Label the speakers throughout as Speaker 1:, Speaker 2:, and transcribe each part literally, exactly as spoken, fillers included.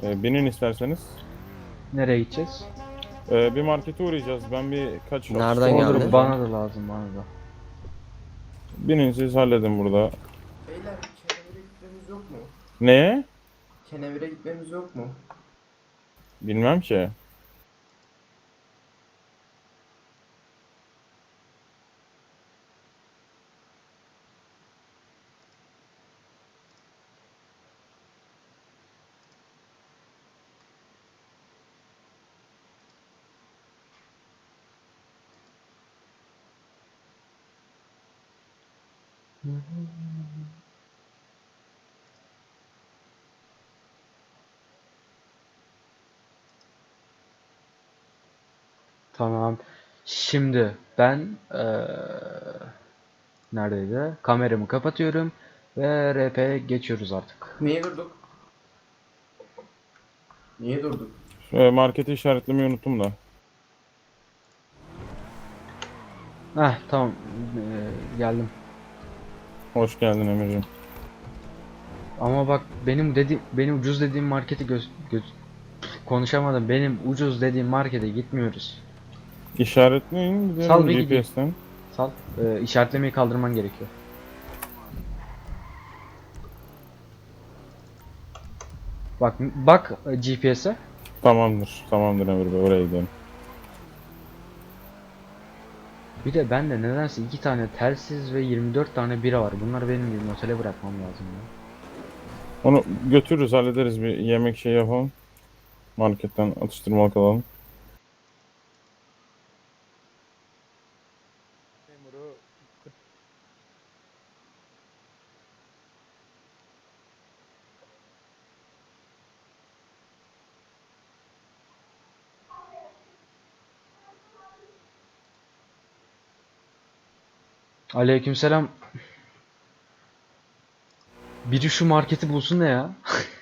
Speaker 1: Ee, binin isterseniz.
Speaker 2: Nereye gideceğiz?
Speaker 1: Ee, bir markete uğrayacağız. Ben bir kaç
Speaker 3: Nereden
Speaker 1: atıştırmalık
Speaker 3: geldi?
Speaker 2: Olur,
Speaker 1: alacağım.
Speaker 2: bana da lazım, bana da.
Speaker 1: Binin siz halledin burada.
Speaker 4: Beyler kenevire gitmemiz yok mu?
Speaker 1: Neye?
Speaker 4: Kenevire gitmemiz yok mu?
Speaker 1: Bilmem ki.
Speaker 2: Tamam. Şimdi ben eee neredeydi? Kameramı kapatıyorum ve R P'ye geçiyoruz artık.
Speaker 4: Niye durduk? Niye durduk?
Speaker 1: Ee, marketi işaretlemeyi unuttum da.
Speaker 2: Heh, tamam. Eee, geldim.
Speaker 1: Hoş geldin Emir'ciğim.
Speaker 2: Ama bak, benim dedi benim ucuz dediğim markete göz, göz konuşamadım. Benim ucuz dediğim markete gitmiyoruz.
Speaker 1: İşaretleyin
Speaker 2: Sal
Speaker 1: gidelim
Speaker 2: bir
Speaker 1: G
Speaker 2: gideyim.
Speaker 1: P S'ten.
Speaker 2: Sal. Eee işaretlemeyi kaldırman gerekiyor. Bak bak G P S'e.
Speaker 1: Tamamdır. Tamamdır Emir Bey. Oraya gidelim.
Speaker 2: Bir de bende nedense iki tane telsiz ve yirmi dört tane bira var. Bunları benim bir otele bırakmam lazım ya.
Speaker 1: Onu götürürüz, hallederiz. Bir yemek şey yapalım. Marketten atıştırmalık alalım.
Speaker 2: Aleykümselam. Biri şu marketi bulsun da ya.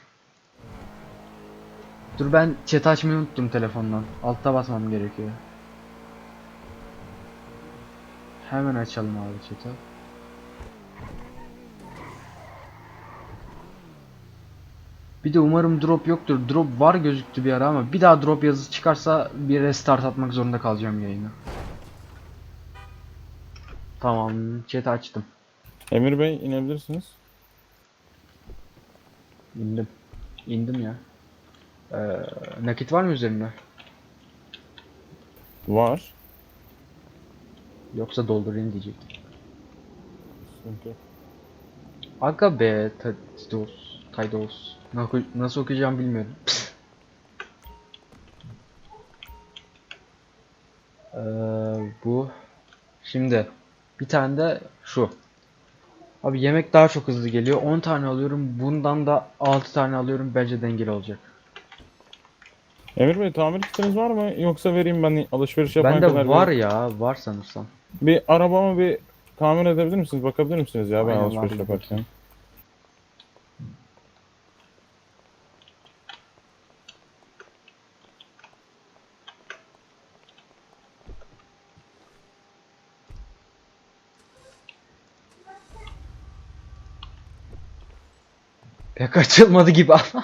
Speaker 2: Dur, ben chat açmayı unuttum telefondan. Altta basmam gerekiyor. Hemen açalım abi chat'i. Bir de umarım drop yoktur. Drop var gözüktü bir ara ama bir daha drop yazısı çıkarsa bir restart atmak zorunda kalacağım yayını. Tamam, chat açtım.
Speaker 1: Emir Bey inebilirsiniz.
Speaker 2: İndim. İndim ya. Ee, nakit var mı üzerinde?
Speaker 1: Var.
Speaker 2: Yoksa doldurayım diyecektim.
Speaker 1: Sıkıntı yok.
Speaker 2: Aga be, Taydos, Taydos. Nasıl, nasıl okuyacağım bilmiyorum. Ee, bu. Şimdi bir tane de şu. Abi yemek daha çok hızlı geliyor. on tane alıyorum. Bundan da altı tane alıyorum. Bence dengeli olacak.
Speaker 1: Emir Bey tamir kitiniz var mı? Yoksa vereyim ben alışveriş yapana
Speaker 2: Bende
Speaker 1: kadar.
Speaker 2: var
Speaker 1: bir,
Speaker 2: ya, var sanırsam.
Speaker 1: bir arabamı bir tamir edebilir misiniz? Bakabilir misiniz ya ben
Speaker 2: Aynen,
Speaker 1: alışveriş
Speaker 2: var,
Speaker 1: yaparken?
Speaker 2: Pek açılmadı gibi ama.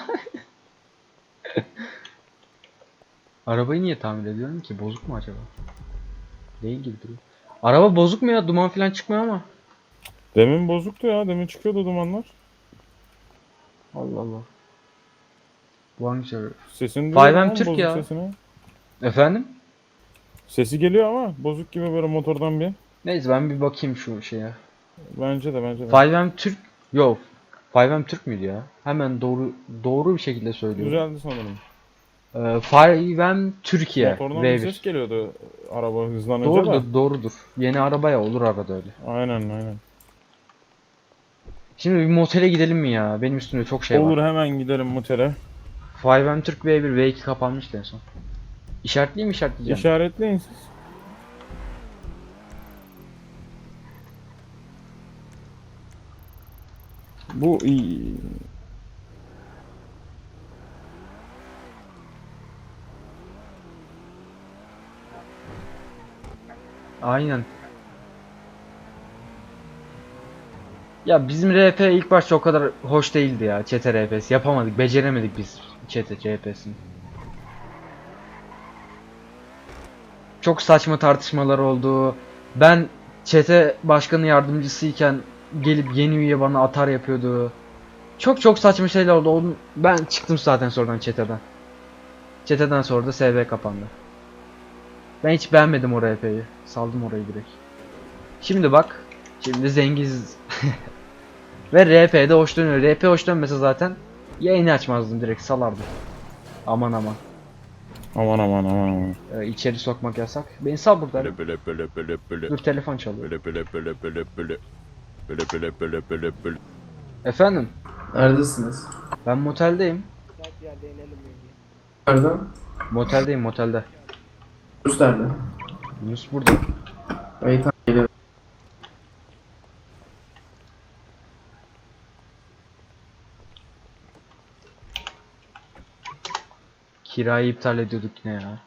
Speaker 2: Arabayı niye tamir ediyorum ki? Bozuk mu acaba? Değil gibi duruyor. Araba bozuk mu ya? Duman falan çıkmıyor ama.
Speaker 1: Demin bozuktu ya. Demin çıkıyordu dumanlar.
Speaker 2: Allah Allah. Bu hangi server?
Speaker 1: Sesini
Speaker 2: Five
Speaker 1: duyuyorum
Speaker 2: M
Speaker 1: ama
Speaker 2: Türk
Speaker 1: bozuk
Speaker 2: ya.
Speaker 1: sesini.
Speaker 2: Efendim?
Speaker 1: Sesi geliyor ama bozuk gibi böyle motordan bir.
Speaker 2: Neyse, ben bir bakayım şu şeye.
Speaker 1: Bence de bence de.
Speaker 2: five M Türk. Yok. five M Türk müydü ya? Hemen doğru doğru bir şekilde söylüyorum.
Speaker 1: Güzeldi sanırım.
Speaker 2: Ee, five M Türkiye
Speaker 1: Motordan
Speaker 2: V
Speaker 1: bir ses
Speaker 2: bir.
Speaker 1: geliyordu araba hızlanınca da.
Speaker 2: Doğrudur, doğrudur. Yeni arabaya olur arada öyle.
Speaker 1: Aynen aynen.
Speaker 2: Şimdi bir motele gidelim mi ya? Benim üstümde çok şey
Speaker 1: Olur,
Speaker 2: var.
Speaker 1: hemen gidelim mutere.
Speaker 2: five M Türk V bir, V iki kapanmıştı en son. İşaretleyeyim mi, işaretleyeceğim?
Speaker 1: İşaretleyin siz. Bu iyi.
Speaker 2: Aynen. Ya bizim R P ilk başta o kadar hoş değildi ya. Çete R P'si yapamadık, beceremedik biz. Çete C H P'sini. Çok saçma tartışmalar oldu. Ben çete başkanı yardımcısıyken gelip yeni üye bana atar yapıyordu. Çok çok saçma şeyler oldu. Onun- Ben çıktım zaten sonradan çeteden. Çeteden sonra da S V kapandı. Ben hiç beğenmedim o R P'yi. Saldım orayı direkt. Şimdi bak. Şimdi zenginiz. Ve R P'de hoş dönüyor. R P hoş dönmese zaten yayını açmazdım, direkt salardım. Aman aman.
Speaker 1: Aman aman aman aman.
Speaker 2: Ee, içeri sokmak yasak. Beni sal buradan.
Speaker 1: Böyle böyle böyle böyle böyle.
Speaker 2: Dur, telefon çalıyor.
Speaker 1: Böyle böyle böyle böyle böyle. Böyle böyle böyle böyle böyle.
Speaker 2: Efendim,
Speaker 4: Neredesiniz?
Speaker 2: ben moteldeyim.
Speaker 4: Nerede?
Speaker 2: Moteldeyim, motelde.
Speaker 4: Yunus nerede?
Speaker 2: Yunus burada.
Speaker 4: İyi tamam geliyorum.
Speaker 2: Kirayı iptal ediyorduk yine ya.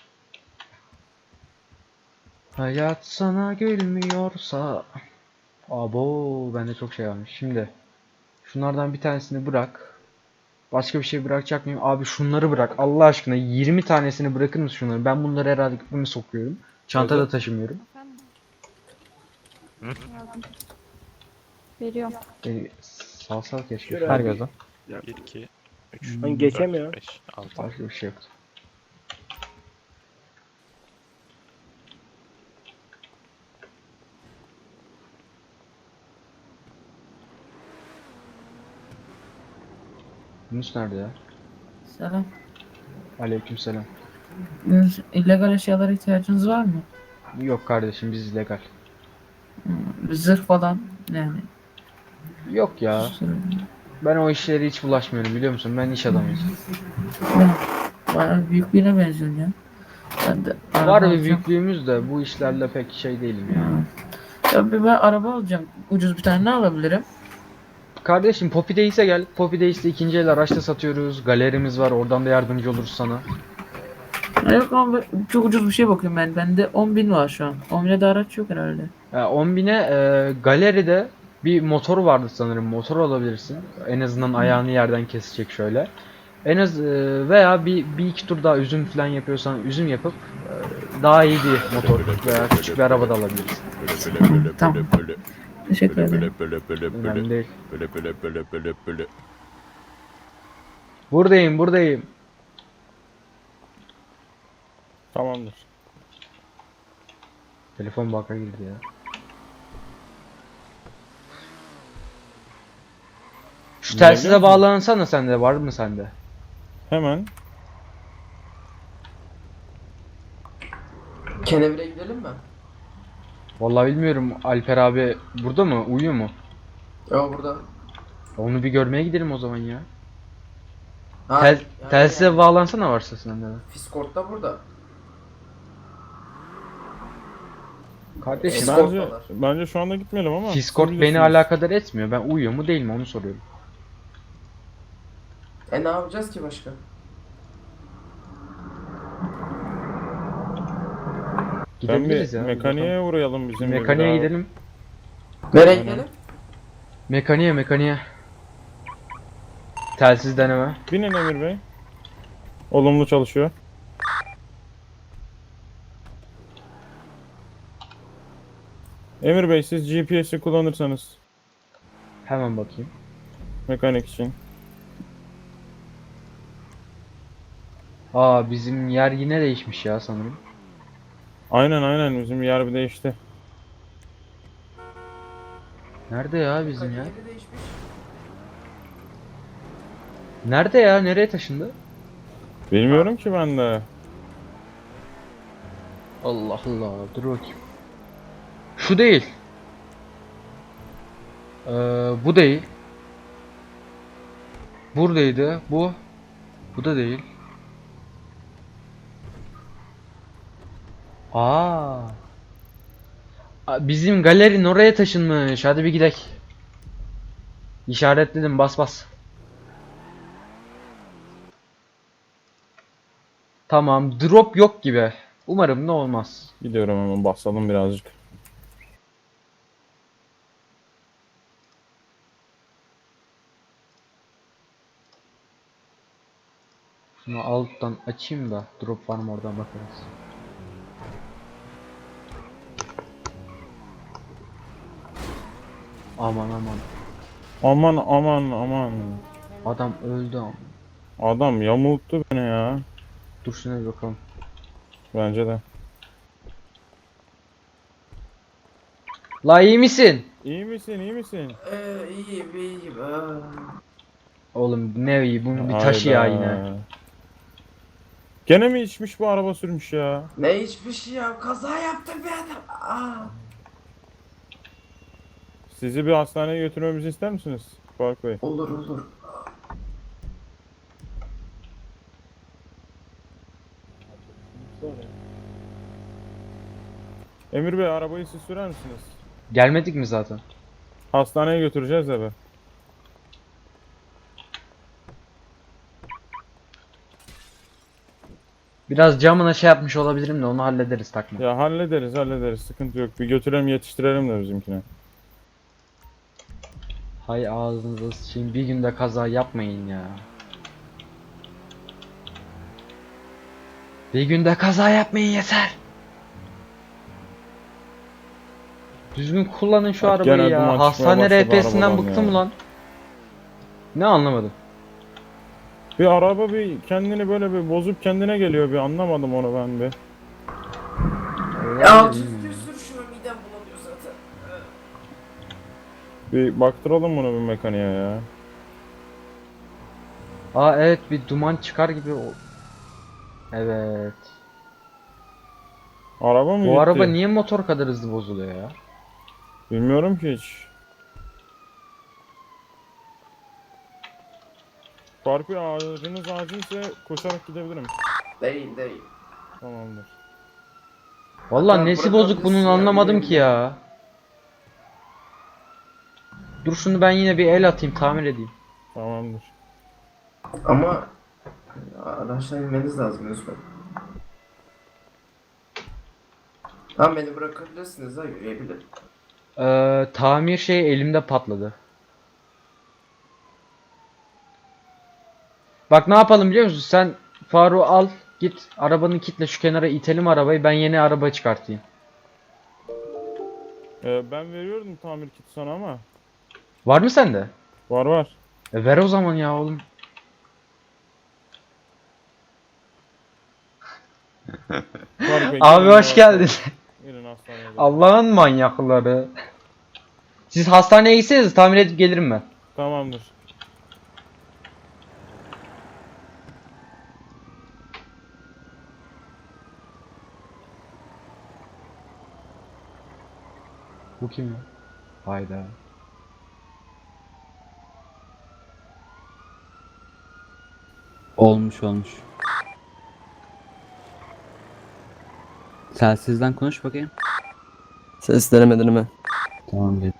Speaker 2: Hayat sana gülmüyorsa. Abo, bende çok şey varmış. Şimdi şunlardan bir tanesini bırak. Başka bir şey bırakacak mıyım? Abi şunları bırak. Allah aşkına yirmi tanesini bırakır mısın şunları? Ben bunları herhalde bunu sokuyorum. Çantada
Speaker 1: Evet.
Speaker 2: taşımıyorum.
Speaker 3: Efendim? Yardım. Veriyorum.
Speaker 2: E, salsal keşke.
Speaker 5: Şöyle
Speaker 2: Her
Speaker 5: bir-
Speaker 2: gözden.
Speaker 5: bir, iki, üç,
Speaker 2: Ben
Speaker 5: geçemiyor. dört, beş, altı.
Speaker 2: Başka bir şey yoktu. Yunus nerede ya?
Speaker 6: Selam.
Speaker 2: Aleykümselam.
Speaker 6: Yunus, illegal eşyalara ihtiyacınız var mı?
Speaker 2: Yok kardeşim, biz legal.
Speaker 6: Hmm, zırh falan yani.
Speaker 2: Yok ya. Ben o işlere hiç bulaşmıyorum, biliyor musun? Ben iş adamıyım.
Speaker 6: Ben bayağı büyük birine benziyorsun ya. Ben de araba
Speaker 2: Var bir
Speaker 6: alacağım.
Speaker 2: büyüklüğümüz de bu işlerle pek şey değilim ya.
Speaker 6: Hmm. Ya bir ben araba alacağım. Ucuz bir tane ne alabilirim?
Speaker 2: Kardeşim Poppy Days'e gel. Poppy Days'te ikinci el araçta satıyoruz. Galerimiz var. Oradan da yardımcı oluruz sana.
Speaker 6: Ya yok ama ben çok ucuz bir şey bakıyorum ben. Bende on bin var şu an. on bine de araç yok herhalde.
Speaker 2: Ya on bine e, galeride bir motor vardı sanırım. Motor alabilirsin. En azından ayağını yerden kesecek şöyle. En az e, veya bir, bir iki tur daha üzüm falan yapıyorsan üzüm yapıp e, daha iyi bir motor veya küçük bir araba da alabilirsin.
Speaker 1: Böyle böyle böyle
Speaker 6: Tamam.
Speaker 1: böyle böyle.
Speaker 6: Teşekkür
Speaker 1: Böyle
Speaker 6: ederim.
Speaker 1: böyle böyle böyle böyle.
Speaker 2: Önemli değil.
Speaker 1: Böyle böyle böyle böyle böyle.
Speaker 2: Buradayım, buradayım.
Speaker 1: Tamamdır.
Speaker 2: Telefon baka girdi ya. Şu
Speaker 1: Dinleyebiliyor
Speaker 2: telsize
Speaker 1: musun?
Speaker 2: bağlansana, sende var mı sende?
Speaker 1: Hemen.
Speaker 4: Kenevire gidelim mi?
Speaker 2: Vallahi bilmiyorum, Alper abi burada mı? Uyuyor mu?
Speaker 4: Yo burada.
Speaker 2: Onu bir görmeye gidelim o zaman ya.
Speaker 4: Ha,
Speaker 2: Tel,
Speaker 4: yani
Speaker 2: telsize
Speaker 4: yani.
Speaker 2: bağlansana varsa sende de.
Speaker 4: Fiskort da burada.
Speaker 2: Kardeşim
Speaker 4: Fiskort
Speaker 1: Bence,
Speaker 4: var.
Speaker 1: bence şu anda gitmeyelim ama.
Speaker 2: Discord
Speaker 1: siz
Speaker 2: beni
Speaker 1: bilirsiniz.
Speaker 2: alakadar etmiyor. Ben uyuyor mu değil mi onu soruyorum.
Speaker 4: E ne yapacağız ki başka?
Speaker 1: Ben
Speaker 2: Gidebiliriz
Speaker 1: bir
Speaker 2: ya.
Speaker 1: mekaniğe uğrayalım bizim. de bir
Speaker 2: Mekaniğe
Speaker 1: daha.
Speaker 2: gidelim.
Speaker 4: Nereye
Speaker 1: Aynen.
Speaker 4: gidelim?
Speaker 2: Mekaniğe mekaniğe. Telsiz deneme.
Speaker 1: Binin Emir Bey. Olumlu çalışıyor. Emir Bey siz G P S'i kullanırsanız
Speaker 2: Hemen bakayım.
Speaker 1: mekanik için.
Speaker 2: Aa, bizim yer yine değişmiş ya sanırım.
Speaker 1: Aynen aynen bizim yer bir değişti.
Speaker 2: Nerede ya bizim ya?
Speaker 4: Yeri değişmiş.
Speaker 2: Nerede ya? Nereye taşındı?
Speaker 1: Bilmiyorum ki ben de.
Speaker 2: Allah Allah. Dur bakayım. Şu değil. Ee, bu değil. Buradaydı. Bu. Bu da değil. Aa. Aa, bizim galerinin oraya taşınmış. Hadi bir gidelim. İşaretledim. Bas bas. Tamam. Drop yok gibi. Umarım ne olmaz.
Speaker 1: Gidiyorum hemen basalım birazcık.
Speaker 2: Şunu alttan açayım da drop var mı oradan bakarız. Aman aman.
Speaker 1: Aman aman aman.
Speaker 2: Adam öldü ama.
Speaker 1: Adam yamulttu beni ya.
Speaker 2: Dur şuna bir bakalım.
Speaker 1: Bence de.
Speaker 2: La iyi misin?
Speaker 1: İyi misin iyi misin?
Speaker 4: Ee, iyiyim iyiyim. Aa.
Speaker 2: Oğlum ne iyi bunu bir taşı ya
Speaker 1: Hayda.
Speaker 2: yine.
Speaker 1: Gene mi içmiş bu araba sürmüş ya?
Speaker 4: Ne hiçbir şey ya. Kaza yaptı bir adam. Aa.
Speaker 1: Sizi bir hastaneye götürmemizi ister misiniz Faruk Bey?
Speaker 4: Olur olur.
Speaker 1: Emir Bey arabayı siz sürer misiniz?
Speaker 2: Gelmedik mi zaten?
Speaker 1: Hastaneye götüreceğiz de be.
Speaker 2: Biraz camına şey yapmış olabilirim de onu hallederiz takma.
Speaker 1: Ya hallederiz hallederiz sıkıntı yok. Bir götürelim yetiştirelim de bizimkine.
Speaker 2: Hay ağzınıza sıçayım bir günde kaza yapmayın ya. Bir günde kaza yapmayın yeter. Düzgün kullanın şu
Speaker 1: Bak,
Speaker 2: arabayı
Speaker 1: gene
Speaker 2: ya.
Speaker 1: duman
Speaker 2: Hastane
Speaker 1: çıkmaya başladı
Speaker 2: R P'sinden
Speaker 1: arabadan
Speaker 2: bıktım
Speaker 1: ya.
Speaker 2: lan. Ne anlamadım.
Speaker 1: Bir araba bir kendini böyle bir bozup kendine geliyor bir anlamadım onu ben bir.
Speaker 4: Ya düzgün sür şunu midem bulanıyor zaten.
Speaker 1: Bir baktıralım bunu bir mekaniğe ya.
Speaker 2: Aa evet bir duman çıkar gibi o. Evet.
Speaker 1: Araba mı
Speaker 2: Bu
Speaker 1: gitti?
Speaker 2: araba niye motor kadar hızlı bozuluyor ya?
Speaker 1: Bilmiyorum ki hiç. Faruk Bey ağacınız acilse koşarak gidebilirim.
Speaker 4: Değil değil.
Speaker 1: Tamamdır.
Speaker 2: Vallahi
Speaker 4: Hatta
Speaker 2: nesi bozuk bunun
Speaker 4: bırakabilirsin ya,
Speaker 2: anlamadım ki
Speaker 4: bilmiyorum.
Speaker 2: ya. Dur şunu ben yine bir el atayım tamir edeyim.
Speaker 1: Tamamdır.
Speaker 4: Ama araçtan inmeniz lazım lütfen. Tamam beni bırakabilirsiniz ha yürüyebilirim.
Speaker 2: Ee, tamir şey elimde patladı. Bak ne yapalım biliyor musun? Sen Faruk'u al git arabanın kitle şu kenara itelim arabayı ben yeni araba çıkartayım.
Speaker 1: Ee, ben veriyordum tamir kiti sana ama.
Speaker 2: Var mı sende?
Speaker 1: Var var.
Speaker 2: E ver o zaman ya oğlum.
Speaker 1: Faruk Bey,
Speaker 2: Abi
Speaker 1: gelin
Speaker 2: hoş
Speaker 1: ya.
Speaker 2: geldin.
Speaker 1: Gelin hastaneye. gidelim.
Speaker 2: Allah'ın manyakları. Siz hastaneye gitseniz tamir edip gelirim ben.
Speaker 1: Tamamdır.
Speaker 2: Bu kim ya? Hayda.
Speaker 7: Olmuş olmuş. Telsizden konuş bakayım.
Speaker 8: Ses denemedin mi?
Speaker 7: Tamam gel.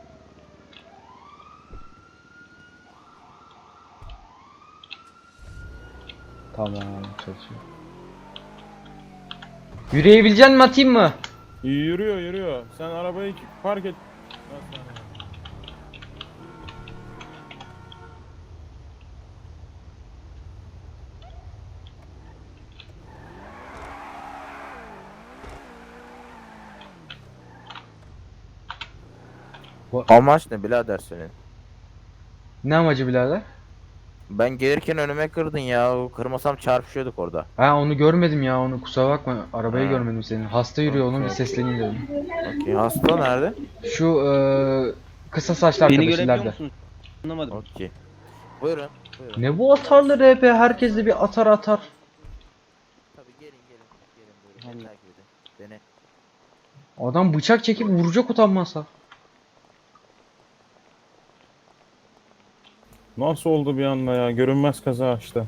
Speaker 2: Tamam çalışıyor. Yürüyebilecek mi atayım mı?
Speaker 1: Yürüyor yürüyor. Sen arabayı park et. Hastaneye.
Speaker 9: Amaç ne birader senin?
Speaker 2: Ne amacı birader?
Speaker 9: Ben gelirken önüme kırdın ya. Kırmasam çarpışıyorduk orada.
Speaker 2: Ha onu görmedim ya onu kusura bakma arabayı
Speaker 9: Ha.
Speaker 2: görmedim senin. Hasta yürüyor onun bir
Speaker 9: Okey.
Speaker 2: sesleneyim dedim.
Speaker 9: Okey. Hasta nerede?
Speaker 2: Şu eee kısa saçlı
Speaker 8: Beni
Speaker 2: arkadaş
Speaker 8: görebiliyor
Speaker 2: ileride.
Speaker 8: musun? Anlamadım.
Speaker 9: Okey. Buyurun. Buyurun.
Speaker 2: Ne bu atarlı R P herkes de bir atar atar.
Speaker 9: Tabii gelin gelin. Gelin buyurun.
Speaker 8: Hani-
Speaker 9: Beni takip edin. Beni.
Speaker 2: Adam bıçak çekip vuracak utanmazsa.
Speaker 1: Nasıl oldu bir anda ya? Görünmez kaza işte.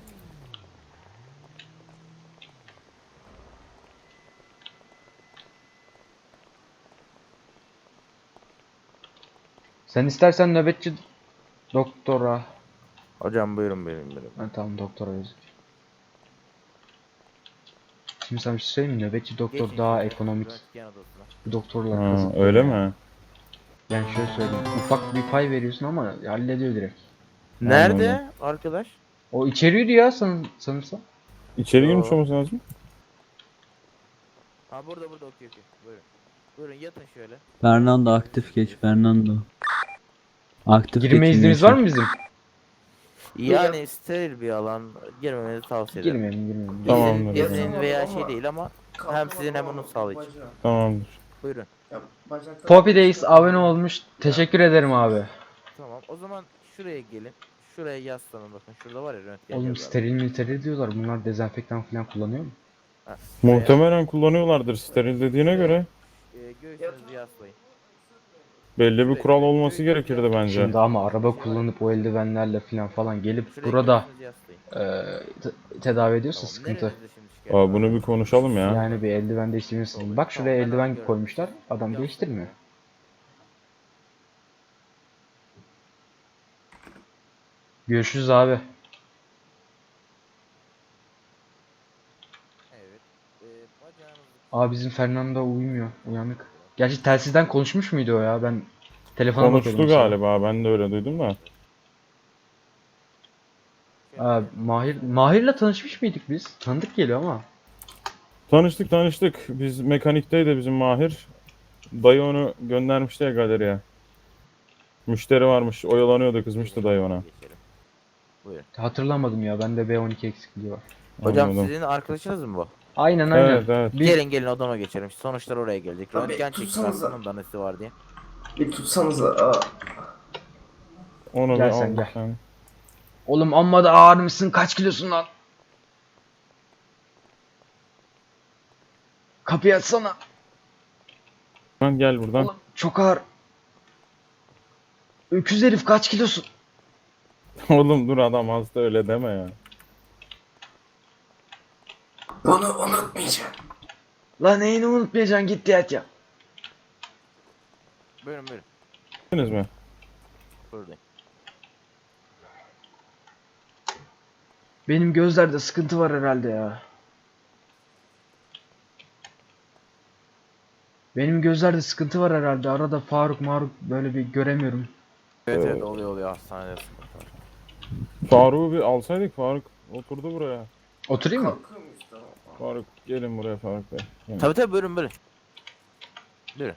Speaker 2: Sen istersen nöbetçi doktora.
Speaker 9: Hocam buyurun buyurun buyurun.
Speaker 2: Ha, tamam doktora yazık. Şimdi sana bir şey söyleyeyim mi? Nöbetçi doktor
Speaker 9: Geçin
Speaker 2: daha
Speaker 9: şimdi
Speaker 2: ekonomik.
Speaker 9: röntgen odasına.
Speaker 2: Bu doktorlar
Speaker 1: Ha,
Speaker 2: kazık.
Speaker 1: öyle mi?
Speaker 2: Yani şöyle söyleyeyim. Ufak bir pay veriyorsun ama hallediyor direkt.
Speaker 9: Nerede arkadaş?
Speaker 2: O içeriydi ya san sanırsam.
Speaker 1: İçeri girmiş
Speaker 9: Yo.
Speaker 1: olması lazım.
Speaker 9: Ha burada burada okey okey. Buyurun. Buyurun yatın şöyle.
Speaker 7: Fernando aktif geç Fernando. Aktif
Speaker 2: Girme
Speaker 7: geçin
Speaker 2: iznimiz
Speaker 7: gençler.
Speaker 2: var mı bizim?
Speaker 9: Yani steril bir alan girmemenizi tavsiye ederim.
Speaker 2: Girmeyelim girmeyelim.
Speaker 1: Tamamdır.
Speaker 9: İzin,
Speaker 1: efendim.
Speaker 9: izin veya şey değil ama hem sizin hem onun sağlığı için.
Speaker 4: Bacağı.
Speaker 1: Tamamdır.
Speaker 9: Buyurun.
Speaker 4: Ya, bacaktan-
Speaker 2: Poppy Days abone olmuş. Teşekkür ederim abi.
Speaker 9: Tamam. O zaman şuraya gelin. Şuraya yaslanın bakın. Şurada var ya röntgen
Speaker 2: Oğlum
Speaker 9: cihazı var.
Speaker 2: steril mi steril diyorlar. Bunlar dezenfektan falan kullanıyor mu?
Speaker 9: Ha, şuraya,
Speaker 1: Muhtemelen kullanıyorlardır steril dediğine göre.
Speaker 9: e, göğsünüzü yaslayın.
Speaker 1: Belli bir kural olması gerekirdi bence.
Speaker 2: Şimdi ama araba kullanıp o eldivenlerle falan falan gelip
Speaker 9: Şuraya
Speaker 2: burada
Speaker 9: göğsünüzü yaslayın.
Speaker 2: eee, te- tedavi ediyorsa
Speaker 9: Tamam,
Speaker 2: sıkıntı.
Speaker 9: nerenizde şimdi şikayet
Speaker 1: Aa,
Speaker 9: var?
Speaker 1: bunu bir konuşalım ya.
Speaker 2: Yani bir eldiven değiştirmişsin. Bak şuraya
Speaker 9: Tamam, ben
Speaker 2: eldiven
Speaker 9: anlıyorum.
Speaker 2: koymuşlar. Adam
Speaker 9: Yaslayın.
Speaker 2: değiştirmiyor. Görüşürüz abi.
Speaker 9: Evet. E, bacağınızı
Speaker 2: Abi bizim Fernando uyumuyor. Uyanık. Gerçi telsizden konuşmuş muydu o ya? Ben telefona
Speaker 1: Konuştu
Speaker 2: bakıyordum sonra.
Speaker 1: galiba. Ben de öyle duydum da.
Speaker 2: Aa, Mahir Mahir'le tanışmış mıydık biz? Tanıdık geliyor ama.
Speaker 1: Tanıştık tanıştık. Biz mekanikteydi bizim Mahir. Dayı onu göndermişti ya galeriye. Müşteri varmış. Oyalanıyordu, kızmıştı dayı ona.
Speaker 9: Geçelim. Buyurun.
Speaker 2: Hatırlamadım ya. Bende B on iki eksikliği var.
Speaker 9: Hocam
Speaker 1: Anladım.
Speaker 9: sizin arkadaşınız mı bu?
Speaker 2: Aynen aynen.
Speaker 1: Evet evet.
Speaker 2: Biz-
Speaker 9: Gelin gelin odama geçelim. Sonuçlar oraya gelecek.
Speaker 4: Tabii,
Speaker 9: Röntgen çektik
Speaker 4: tutsanıza.
Speaker 9: hastanın da nesi var diye.
Speaker 4: Bir tutsanıza. Aa.
Speaker 1: Onu
Speaker 2: Gel
Speaker 1: bir
Speaker 2: sen,
Speaker 1: al
Speaker 2: gel.
Speaker 1: sen.
Speaker 2: Oğlum amma da ağır mısın? Kaç kilosun lan? Kapıyı açsana.
Speaker 1: Lan gel buradan.
Speaker 2: Oğlum çok ağır. Öküz herif kaç kilosun?
Speaker 1: Oğlum dur, adam hasta, öyle deme ya.
Speaker 4: Bunu unutmayacağım.
Speaker 2: Lan neyini unutmayacaksın, git yat ya.
Speaker 9: Buyurun buyurun.
Speaker 1: Gittiniz mi?
Speaker 9: Buradayım.
Speaker 2: Benim gözlerde sıkıntı var herhalde ya. Benim gözlerde sıkıntı var herhalde. Arada Faruk Maruk böyle bir göremiyorum.
Speaker 9: Evet evet oluyor oluyor hastanede sıkıntı var.
Speaker 1: Faruk'u bir alsaydık. Faruk oturdu buraya.
Speaker 2: Oturayım mı?
Speaker 4: Kalkıyormuş tamam.
Speaker 1: Faruk gelin buraya Faruk Bey. Gelin.
Speaker 9: Tabii tabii buyurun buyurun. Buyurun.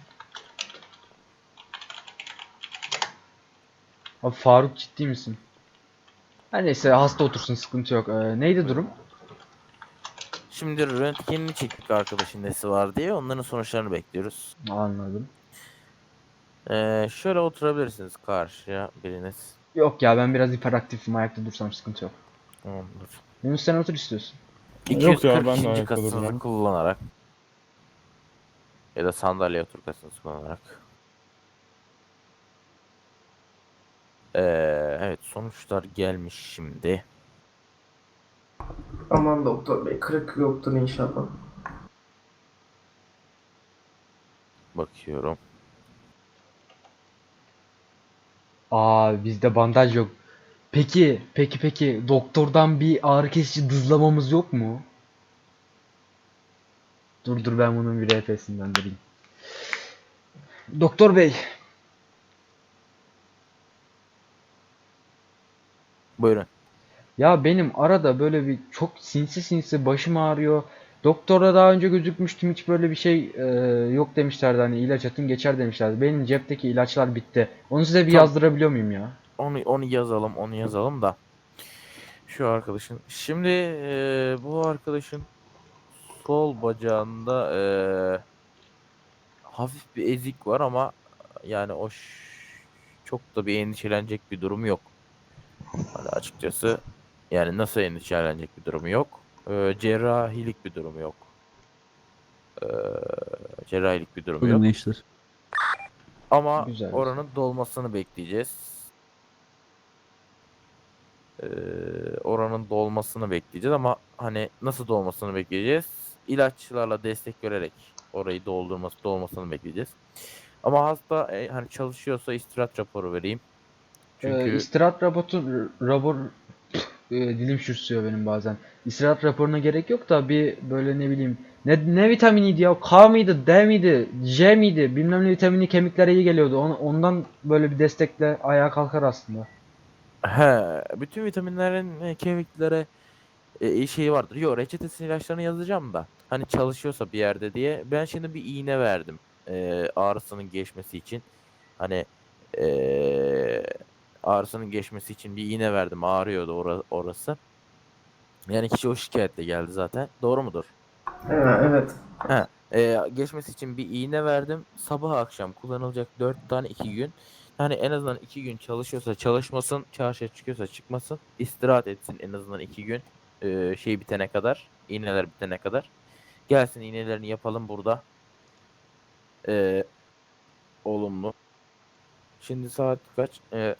Speaker 2: Abi Faruk ciddi misin? Her neyse hasta otursun, sıkıntı yok. Ee, neydi durum?
Speaker 9: Şimdi röntgenini çektik arkadaşın nesi var diye. Onların sonuçlarını bekliyoruz.
Speaker 2: Anladım.
Speaker 9: Ee, şöyle oturabilirsiniz karşıya biriniz.
Speaker 2: Yok ya, ben biraz hiperaktifim, ayakta dursam sıkıntı yok.
Speaker 9: Tamamdır.
Speaker 2: Yunus sen otur istiyorsun.
Speaker 1: Yok ya, ben de
Speaker 9: iki yüz kırk
Speaker 1: ayakta
Speaker 9: kasınızı
Speaker 1: duracağım.
Speaker 9: kullanarak ya da sandalye otur kasınızı kullanarak. Ee, evet sonuçlar gelmiş şimdi.
Speaker 4: Aman doktor bey, kırık yoktur inşallah.
Speaker 9: Bakıyorum.
Speaker 2: Aa, bizde bandaj yok. Peki, peki peki doktordan bir ağrı kesici dızlamamız yok mu? Dur dur, ben bunun bir R P'sinden vereyim. Doktor bey,
Speaker 9: Buyurun.
Speaker 2: ya benim arada böyle bir çok sinsi sinsi başım ağrıyor. Doktora daha önce gözükmüştüm, hiç böyle bir şey e, yok demişlerdi, hani ilaç atın geçer demişlerdi. Benim cepteki ilaçlar bitti. Onu size bir
Speaker 9: Tamam.
Speaker 2: yazdırabiliyor muyum ya?
Speaker 9: Onu onu yazalım, onu yazalım da. Şu arkadaşın. Şimdi eee, bu arkadaşın sol bacağında eee, hafif bir ezik var ama yani o ş- çok da bir endişelenecek bir durum yok. Hani açıkçası yani nasıl endişelenecek bir durum yok. Eee, cerrahilik bir durum yok. Eee, cerrahilik bir durum
Speaker 7: Bugün
Speaker 9: yok.
Speaker 7: gençler.
Speaker 9: Ama
Speaker 2: Güzel.
Speaker 9: oranın dolmasını bekleyeceğiz. Ee, oranın dolmasını bekleyeceğiz ama hani nasıl dolmasını bekleyeceğiz? İlaçlarla destek vererek orayı doldurması dolmasını bekleyeceğiz. Ama hasta e, hani çalışıyorsa istirahat raporu vereyim.
Speaker 2: Ee,
Speaker 9: Çünkü
Speaker 2: istirahat raporu, rapor, e, dilim sürçüyor benim bazen. İstirahat raporuna gerek yok da bir böyle ne bileyim, ne, ne vitaminiydi ya? K mıydı, D miydi, J miydi? Bilmem ne vitamini kemiklere iyi geliyordu. On- ondan böyle bir destekle ayağa kalkar aslında.
Speaker 9: He, bütün vitaminlerin e, kemiklere e, iyi şeyi vardır. Yok, reçetesini ilaçlarını yazacağım da. Hani çalışıyorsa bir yerde diye. Ben şimdi bir iğne verdim. E, ağrısının geçmesi için. Hani e, ağrısının geçmesi için bir iğne verdim. Ağrıyordu ora- orası. Yani kişi o şikayetle geldi zaten. Doğru mudur?
Speaker 4: Ha, evet.
Speaker 9: He, e, geçmesi için bir iğne verdim. Sabah akşam kullanılacak dört tane iki gün. Yani en azından iki gün çalışıyorsa çalışmasın, çarşıya çıkıyorsa çıkmasın, istirahat etsin en azından iki gün. E, şey bitene kadar, iğneler bitene kadar. Gelsin iğnelerini yapalım burada. E, olumlu. Şimdi saat kaç? E,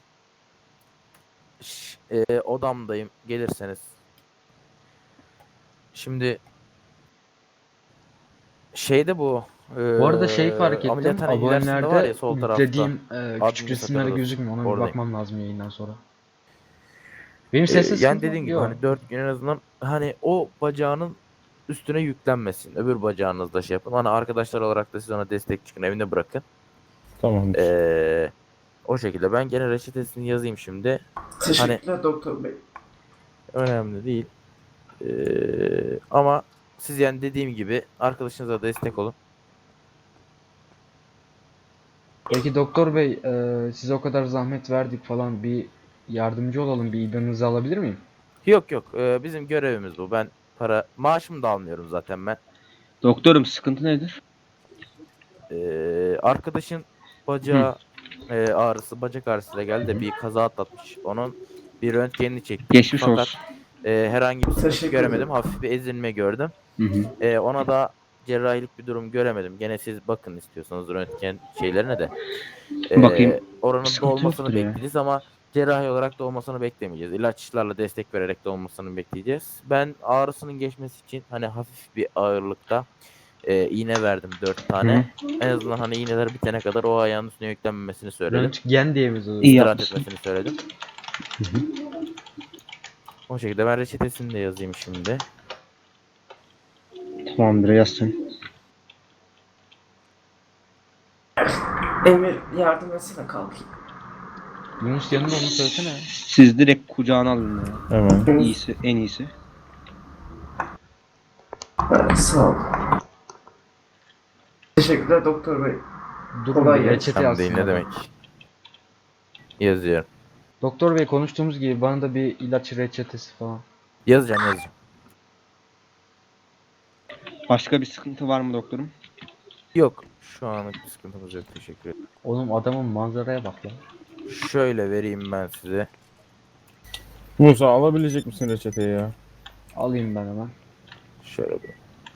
Speaker 9: ş- e, odamdayım. Gelirseniz. Şimdi şeyde bu.
Speaker 2: Bu arada şey
Speaker 9: e,
Speaker 2: fark ettim.
Speaker 9: ameliyathane ilerisinde var ya
Speaker 2: Abonelerde
Speaker 9: sol tarafta.
Speaker 2: yüklediğim e,
Speaker 9: Admin
Speaker 2: küçük resimlere
Speaker 9: yatak
Speaker 2: gözükmüyor. Ona bir
Speaker 9: oradayım.
Speaker 2: bakmam lazım yayından sonra. Benim
Speaker 9: Ee,
Speaker 2: sesim
Speaker 9: yani
Speaker 2: sıkıntı
Speaker 9: dediğin gibi
Speaker 2: yok.
Speaker 9: hani dört gün en azından hani o bacağının üstüne yüklenmesin. Öbür bacağınızda şey yapın. Hani arkadaşlar olarak da siz ona destek çıkın, evinde bırakın.
Speaker 1: Tamamdır.
Speaker 9: Ee, o şekilde ben gene reçetesini yazayım şimdi.
Speaker 4: Teşekkürler doktor bey.
Speaker 9: Önemli değil. Ee, ama siz yani dediğim gibi arkadaşınıza destek olun.
Speaker 2: Peki doktor bey, e, size o kadar zahmet verdik falan, bir yardımcı olalım, bir ibanınızı alabilir miyim?
Speaker 9: Yok yok, ee, bizim görevimiz bu. Ben para maaşımı da almıyorum zaten ben.
Speaker 8: Doktorum sıkıntı nedir?
Speaker 9: Ee, arkadaşın bacağı e, ağrısı, bacak ağrısıyla geldi de bir kaza atlatmış. Onun bir röntgenini çektim.
Speaker 8: Geçmiş
Speaker 9: Fakat
Speaker 8: olsun.
Speaker 9: e, herhangi bir sıkıntı
Speaker 4: Teşekkür
Speaker 9: göremedim.
Speaker 4: ederim.
Speaker 9: Hafif bir ezilme gördüm.
Speaker 8: Hı hı.
Speaker 9: E, ona da cerrahilik bir durum göremedim. Gene siz bakın istiyorsanız röntgen şeylerine de. E,
Speaker 8: Bakayım.
Speaker 9: Oranın
Speaker 8: Sıkıntı
Speaker 9: dolmasını
Speaker 8: yoktur ya.
Speaker 9: bekleyeceğiz ama cerrahi olarak dolmasını beklemeyeceğiz. İlaçlarla destek vererek dolmasını bekleyeceğiz. Ben ağrısının geçmesi için hani hafif bir ağırlıkta e, iğne verdim dört tane. En azından hani iğneler bitene kadar o ayağın üstüne yüklenmemesini söyledim.
Speaker 2: Röntgen diye mi yazılıyor?
Speaker 8: İyi
Speaker 9: İstirahat
Speaker 8: yapmışsın.
Speaker 9: etmesini söyledim. O şekilde ben reçetesini de yazayım şimdi.
Speaker 8: Tamamdır yazsın.
Speaker 4: Emir yardım etsene kalkayım.
Speaker 2: Yunus yanında, onu söylesene.
Speaker 8: Siz direkt kucağına alın ya.
Speaker 1: Hemen.
Speaker 8: İyisi, en iyisi.
Speaker 4: Ha, sağ ol. Teşekkürler doktor bey.
Speaker 2: Durun,
Speaker 4: Kolay
Speaker 2: bir
Speaker 4: gelsin.
Speaker 2: reçete
Speaker 9: Tam değil
Speaker 2: yazsın.
Speaker 9: ne demek. Yazıyorum.
Speaker 2: Doktor bey, konuştuğumuz gibi bana da bir ilaç reçetesi falan.
Speaker 9: Yazacağım yazacağım.
Speaker 8: Başka bir sıkıntı var mı doktorum?
Speaker 9: Yok. Şu anlık bir sıkıntımız yok. Teşekkür ederim.
Speaker 2: Oğlum adamın manzaraya bak ya.
Speaker 9: Şöyle vereyim ben size.
Speaker 1: Musa alabilecek misin reçeteyi ya?
Speaker 2: Alayım ben hemen.
Speaker 9: Şöyle bir.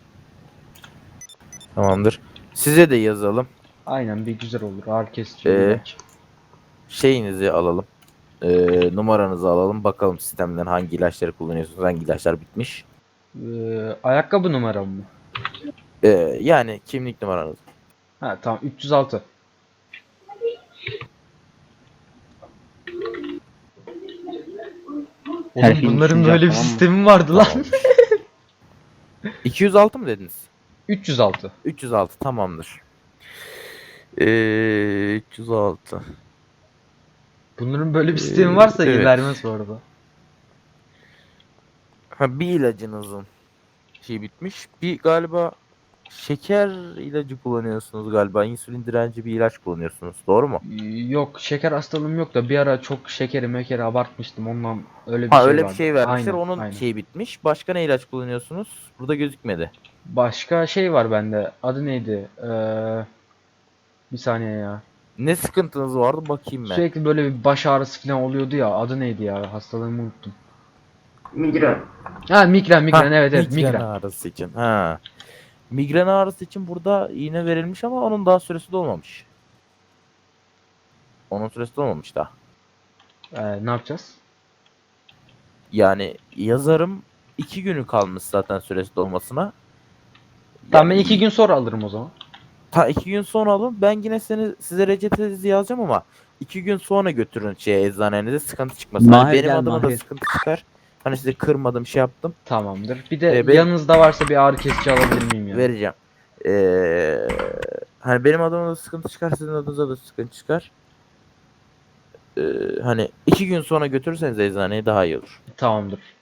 Speaker 9: Tamamdır. Size de yazalım.
Speaker 2: Aynen, bir güzel olur. Ağrı kesici
Speaker 9: Ee,
Speaker 2: ilaç.
Speaker 9: Şeyinizi alalım. Ee, numaranızı alalım. Bakalım sistemden hangi ilaçları kullanıyorsunuz. Hangi ilaçlar bitmiş.
Speaker 2: Ee, ayakkabı numaram mı?
Speaker 9: Ee, yani kimlik numaranız.
Speaker 2: Ha tamam, üç yüz altı.
Speaker 8: Her
Speaker 2: Oğlum
Speaker 8: şeyin
Speaker 2: bunların
Speaker 8: düşünce
Speaker 2: böyle bir
Speaker 8: tamam mı?
Speaker 2: sistemi vardı lan.
Speaker 9: Tamamdır. iki yüz altı mı dediniz?
Speaker 2: üç yüz altı.
Speaker 9: üç yüz altı tamamdır. Ee, üç yüz altı.
Speaker 2: Bunların böyle bir sistemi varsa
Speaker 9: evet.
Speaker 2: vermez bu arada.
Speaker 9: Ha, bir ilacınızın şey bitmiş. Bir galiba şeker ilacı kullanıyorsunuz galiba. İnsülin direnci bir ilaç kullanıyorsunuz. Doğru mu?
Speaker 2: Yok, şeker hastalığım yok da bir ara çok şekeri mekeri abartmıştım, ondan öyle bir
Speaker 9: Ha
Speaker 2: şey
Speaker 9: öyle bir
Speaker 2: vardı.
Speaker 9: şey vermişler.
Speaker 2: Aynen,
Speaker 9: Onun
Speaker 2: aynen.
Speaker 9: şeyi bitmiş. Başka ne ilaç kullanıyorsunuz? Burada gözükmedi.
Speaker 2: Başka şey var bende. Adı neydi? Ee, bir saniye ya.
Speaker 9: Ne sıkıntınız vardı bakayım ben.
Speaker 2: Sürekli böyle bir baş ağrısı falan oluyordu ya. Adı neydi ya? Hastalığımı unuttum.
Speaker 4: Migren.
Speaker 2: Ha, migren migren,
Speaker 9: Ha,
Speaker 2: evet evet
Speaker 9: migren
Speaker 2: migren.
Speaker 9: ağrısı için. Ha. Migren ağrısı için burada iğne verilmiş ama onun daha süresi dolmamış. Onun süresi dolmamış daha.
Speaker 2: Ee, ne yapacağız?
Speaker 9: Yani yazarım iki günü kalmış zaten süresi dolmasına.
Speaker 2: Tamam, ben
Speaker 9: Yani
Speaker 2: iki gün sonra alırım o zaman.
Speaker 9: Ta iki gün sonra alın. Ben yine seni size reçetenizi yazacağım ama iki gün sonra götürün şeye eczanenize, sıkıntı çıkmasın. Hani
Speaker 7: Mahir
Speaker 9: benim
Speaker 7: gel,
Speaker 9: adıma da
Speaker 7: Mahir.
Speaker 9: sıkıntı çıkar. Hani size kırmadım şey yaptım.
Speaker 2: Tamamdır. Bir de
Speaker 9: Ee, benim-
Speaker 2: yanınızda varsa bir ağrı kesici alabilir miyim ya?
Speaker 9: Vereceğim. Ee, hani benim adıma da sıkıntı çıkar, sizin adınıza da sıkıntı çıkar. hani iki gün sonra götürürseniz eczaneye daha iyi olur.
Speaker 2: Tamamdır.